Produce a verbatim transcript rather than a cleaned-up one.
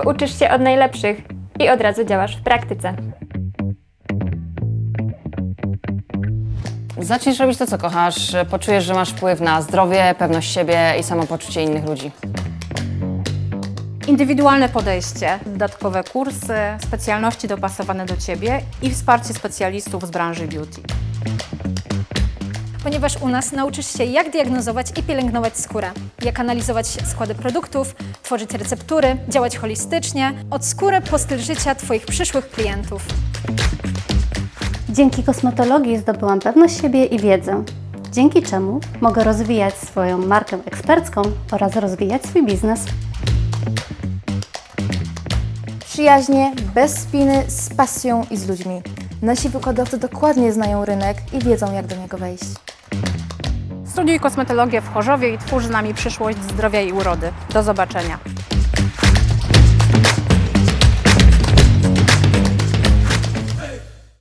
bo uczysz się od najlepszych i od razu działasz w praktyce. Zacznij robić to, co kochasz, poczujesz, że masz wpływ na zdrowie, pewność siebie i samopoczucie innych ludzi. Indywidualne podejście, dodatkowe kursy, specjalności dopasowane do Ciebie i wsparcie specjalistów z branży beauty. Ponieważ u nas nauczysz się, jak diagnozować i pielęgnować skórę, jak analizować składy produktów, tworzyć receptury, działać holistycznie, od skóry po styl życia Twoich przyszłych klientów. Dzięki kosmetologii zdobyłam pewność siebie i wiedzę, dzięki czemu mogę rozwijać swoją markę ekspercką oraz rozwijać swój biznes. Przyjaźnie, bez spiny, z pasją i z ludźmi. Nasi wykładowcy dokładnie znają rynek i wiedzą, jak do niego wejść. Studiuj kosmetologię w Chorzowie i twórz z nami przyszłość zdrowia i urody. Do zobaczenia!